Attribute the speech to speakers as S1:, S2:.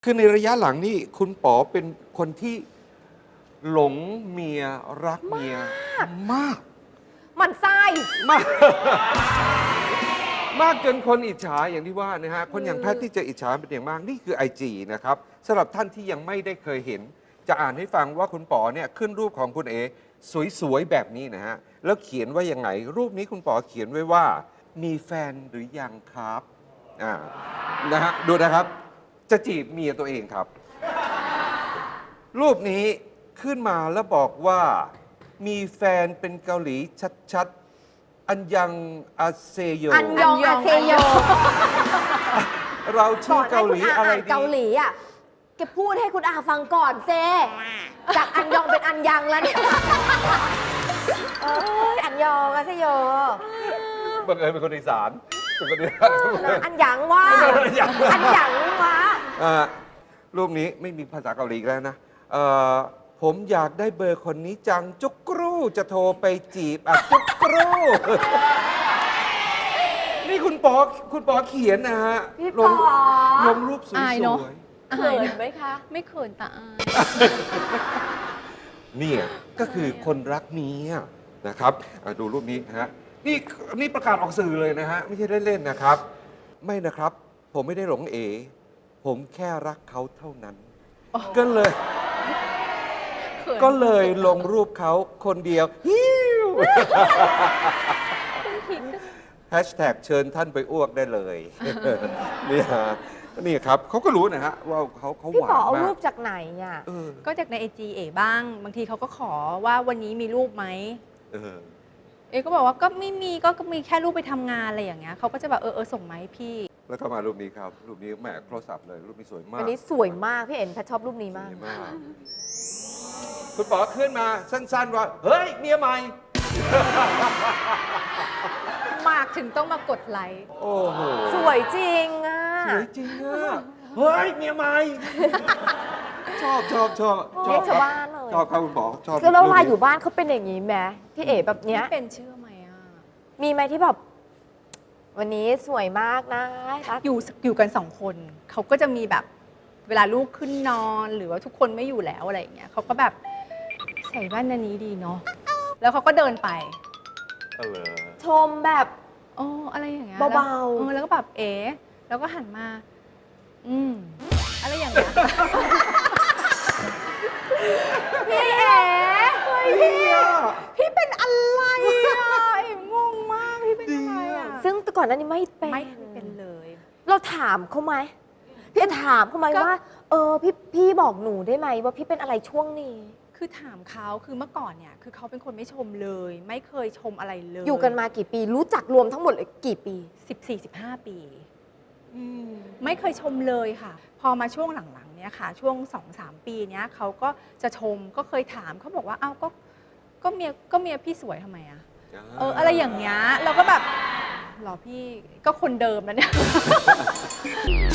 S1: คือในระยะหลังนี่คุณป๋อเป็นคนที่หลงเมียรักเมียมาก
S2: มันไส้
S1: มาก มากจนคนอิจฉาอย่างที่ว่านะฮะคนอย่างแพทย์ที่จะอิจฉาเป็นอย่างมากนี่คือ IG นะครับสำหรับท่านที่ยังไม่ได้เคยเห็น จะอ่านให้ฟังว่าคุณป๋อเนี่ยขึ้นรูปของคุณเอสวยๆแบบนี้นะฮะแล้วเขียนว่ายังไง รูปนี้คุณป๋อเขียนไว้ว่า มีแฟนหรือยังครับนะฮะดูนะครับ จะจีบเมียตัวเองครับ รูปนี้ขึ้นมาแล้วบอกว่า มีแฟนเป็นเกาหลีชัดๆ อันยังอาเซโย
S2: อันยองอาเซโย
S1: เราชื่อเกาหลี
S2: ก่น
S1: อะไร
S2: ให้คุณ
S1: ดี
S2: เกาหลีอ่ะแกพูดให้คุณอาฟังก่อนเซจากอันยองเป็นอันยังแล้วเนี่ยอันยองอาเซโย
S1: บังเอิญเป็นคนอีสานเป็นคนอีสาน
S2: อันยังว่า
S1: อันยัง
S2: อันยังว่า
S1: รูปนี้ไม่มีภาษาเกาหลีอีกแล้วนะผมอยากได้เบอร์คนนี้จังจุกกรูจะโทรไปจีบจุกกรูนี่คุณปอเขียนนะฮะ
S2: พี่
S1: ล
S2: ป๋
S1: ง
S2: อ
S1: ลงรูปสว
S3: อายเนอะ
S1: ย
S2: เขินไหมคะ
S3: ไม่เขินแต่อาย
S1: ๆเนี่ยก็คือคนรักเมียนะครับดูรูปนี้นะฮะนี่ประกาศออกสื่อเลยนะฮะไม่ใช่เล่นๆนะครับ ไม่นะครับ ผมไม่ได้หลงเอ ผมแค่รักเขาเท่านั้น ก็เลยลงรูปเขาคนเดียวฮิวแฮชแท็กเชิญท่านไปอ้วกได้เลยนี่ฮะนี่ครับเขาก็รู้นะฮะว่าเขาห
S2: พี่
S1: วา
S2: ป๋อน เอา
S1: มา
S2: รู
S1: ก
S2: ปจากไหนอ่ะ
S3: ก็จากในไอจีเอ๋บ้าง บางทีเขาก็ขอว่าวันนี้มีรูปไหม
S1: เออ
S3: เอ๋ก็บอกว่าก็ไม่มีก็มีแค่รูปไปทำงานอะไรอย่างเงี้ยเขาก็จะแบบส่งมาให้พี่
S1: แล้วก็มารูปนี้ครับ รูปนี้แหมโทรศัพท์เลย รูปนี้สวยมาก
S2: อันนี้สวยมากพี่เอ็นแพทชอบรูปนี้
S1: ส
S2: มาก
S1: วยมาก คุณป๋อขึ้นมาสั้นๆว่า เฮ้ย เมียใหม่
S3: มากถึงต้องมากดไลค์
S1: โอ้โห
S2: สวยจริงอ่ะ
S1: สวยจริงอะเฮ้ย เมียใหม่ ชอบ
S2: เรียกชาวบ้านเลย
S1: ชอบครับคุณป๋อชอบ
S2: คือเราลายอ
S1: รูป
S2: ยู่
S1: นี้
S2: บ้านเขาเป็นอย่างนี้ไหมพี่เอ๋แบบเนี้ย
S3: เป็นเชื่อไหมอ่ะ
S2: มีไหมที่แบบ วันนี้สวยมากนะรัก
S3: อยู่กัน2 คนเขาก็จะมีแบบเวลาลูกขึ้นนอนหรือว่าทุกคนไม่อยู่แล้วอะไรอย่างเงี้ยเขาก็แบบใส่แว่นอันนี้ดีเนาะแล้วเขาก็เดินไป
S2: ชมแบบ
S3: อะไรอย่างเงี้ย
S2: เบาๆ
S3: แล้วก็แบบแล้วก็หันมา อะไรอย่างเงี้ย
S2: พี่เอ๋
S3: พี่เป็นอะไรอ่ะงงมากพี่เป็นอะไรอ่ะ
S2: ซึ่งแต่ก่อนหน้านี้ไม่เป็น
S3: ไม่เป็นเลย
S2: เราถามเขาไหมพี่ถามเขาไหม
S3: ก็
S2: ว่า พี่บอกหนูได้ไหมว่าพี่เป็นอะไรช่วงนี้
S3: คือถามเขาคือเมื่อก่อนเนี่ยคือเขาเป็นคนไม่ชมเลย ไม่เคยชมอะไรเลย
S2: อยู่กันมากี่ปี รู้จักรวมทั้งหมดเลยกี่ปี
S3: 14-15 ปีไม่เคยชมเลยค่ะ พอมาช่วงหลังๆเนี่ยค่ะ ช่วง 2-3 ปีเนี้ยเขาก็จะชมก็เคยถามเขาบอกว่าอ้าวก็เมียพี่สวยทำไมอะอะไรอย่างเงี้ยเราก็แบบหรอพี่ก็คนเดิมแล้วเนี่ย